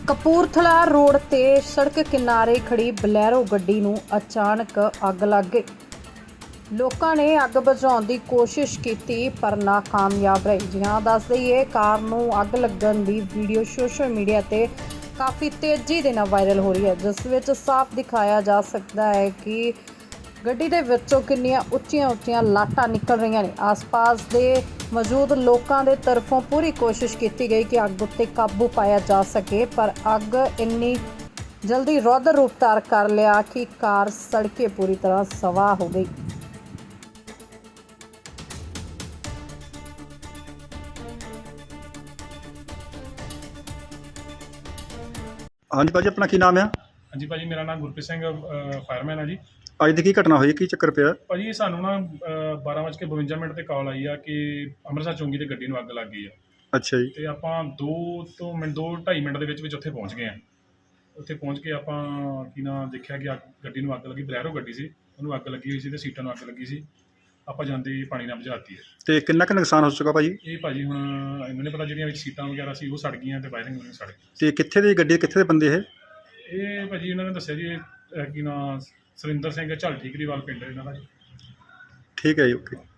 Kapurthala road ਤੇ ਸੜਕ ਕਿਨਾਰੇ ਖੜੀ ਬਲੈਰੋ ਗੱਡੀ ਨੂੰ ਅਚਾਨਕ ਅੱਗ ਲੱਗ ਗਈ। ਲੋਕਾਂ ਨੇ ਅੱਗ ਬੁਝਾਉਣ ਦੀ ਕੋਸ਼ਿਸ਼ ਕੀਤੀ ਪਰ ਨਾਕਾਮਯਾਬ ਰਹੇ। ਜਿਹਾਂ ਦੱਸ ਦਈਏ, ਕਾਰ ਨੂੰ ਅੱਗ ਲੱਗਣ ਦੀ ਵੀਡੀਓ ਸੋਸ਼ਲ ਮੀਡੀਆ ਤੇ ਕਾਫੀ ਤੇਜ਼ੀ ਦੇ ਨਾਲ ਵਾਇਰਲ ਹੋ ਰਹੀ ਹੈ, ਜਿਸ ਵਿੱਚ ਸਾਫ਼ ਦਿਖਾਇਆ ਜਾ ਸਕਦਾ ਹੈ ਕਿ ਗੱਡੀ ਦੇ ਵਿੱਚੋਂ ਕਿੰਨੀਆਂ ਉੱਚੀਆਂ ਲਾਟਾਂ ਨਿਕਲ ਰਹੀਆਂ ਨੇ। ਆਸ-ਪਾਸ ਦੇ ਮੌਜੂਦ ਲੋਕਾਂ ਦੇ ਤਰਫੋਂ ਪੂਰੀ ਕੋਸ਼ਿਸ਼ ਕੀਤੀ ਗਈ ਕਿ ਅੱਗ ਉੱਤੇ ਕਾਬੂ ਪਾਇਆ ਜਾ ਸਕੇ, ਪਰ ਅੱਗ ਇੰਨੀ ਜਲਦੀ ਰੌਦਰ ਰੂਪ ਧਾਰ ਕਰ ਲਿਆ ਕਿ ਕਾਰ ਸੜ ਕੇ ਪੂਰੀ ਤਰ੍ਹਾਂ ਸਵਾਹ ਹੋ ਗਈ। ਹਾਂਜੀ ਭਾਜੀ, ਆਪਣਾ ਕੀ ਨਾਮ ਆ? ਹਾਂਜੀ ਭਾਜੀ, ਮੇਰਾ ਨਾਮ ਗੁਰਪ੍ਰੀਤ ਸਿੰਘ ਫਾਇਰਮੈਨ ਹੈ ਜੀ। ਅੱਜ ਦੀ ਕੀ ਘਟਨਾ ਹੋਈ, ਕੀ ਚੱਕਰ ਪਿਆ? ਭਾਜੀ ਸਾਨੂੰ ਨਾ 12:52 ਤੇ ਕਾਲ ਆਈ ਆ ਕਿ ਅੰਮ੍ਰਿਤਸਰ ਚੌਂਕੀ ਤੇ ਗੱਡੀ ਨੂੰ ਅੱਗ ਲੱਗ ਗਈ ਆ। ਅੱਛਾ ਜੀ। ਤੇ ਆਪਾਂ 2-2.5 ਮਿੰਟ ਦੇ ਵਿੱਚ ਉੱਥੇ ਪਹੁੰਚ ਗਏ ਆ। ਉੱਥੇ ਪਹੁੰਚ ਕੇ ਆਪਾਂ ਦੇਖਿਆ ਕਿ ਗੱਡੀ ਨੂੰ ਅੱਗ ਲੱਗੀ। ਬਲੈਰੋ ਗੱਡੀ ਸੀ, ਉਹਨੂੰ ਅੱਗ ਲੱਗੀ ਹੋਈ ਸੀ ਤੇ ਸੀਟਾਂ ਨੂੰ ਅੱਗ ਲੱਗੀ ਸੀ। ਆਪਾਂ ਜਾਂਦੇ ਪਾਣੀ ਨਾਲ ਬੁਝਾਤੀ ਹੈ। ਤੇ ਕਿੰਨਾ ਕੁ ਨੁਕਸਾਨ ਹੋ ਚੁੱਕਾ ਭਾਜੀ? ਇਹ ਭਾਜੀ ਹੁਣ ਇਹਨਾਂ ਨੇ ਪਤਾ, ਜਿਹੜੀਆਂ ਵਿੱਚ ਸੀਟਾਂ ਵਗੈਰਾ ਸੀ ਉਹ ਸੜ ਗਈਆਂ ਤੇ ਵਾਇਰਿੰਗ ਵਗੈਰਾ ਸੜ ਗਈ। ਤੇ ਕਿੱਥੇ ਦੀ ਗੱਡੀ, ਕਿੱਥੇ ਦੇ ਬੰਦੇ ਇਹ ਭਾਜੀ ਇਹਨਾਂ ਨੇ ਦੱਸਿਆ ਜੀ, ਸੁਰਿੰਦਰ ਸਿੰਘ ਝੱਲ ਠੀਕਰੀਵਾਲ ਪਿੰਡ ਇਹਨਾਂ ਦਾ ਜੀ। ਠੀਕ ਹੈ ਜੀ, ਓਕੇ।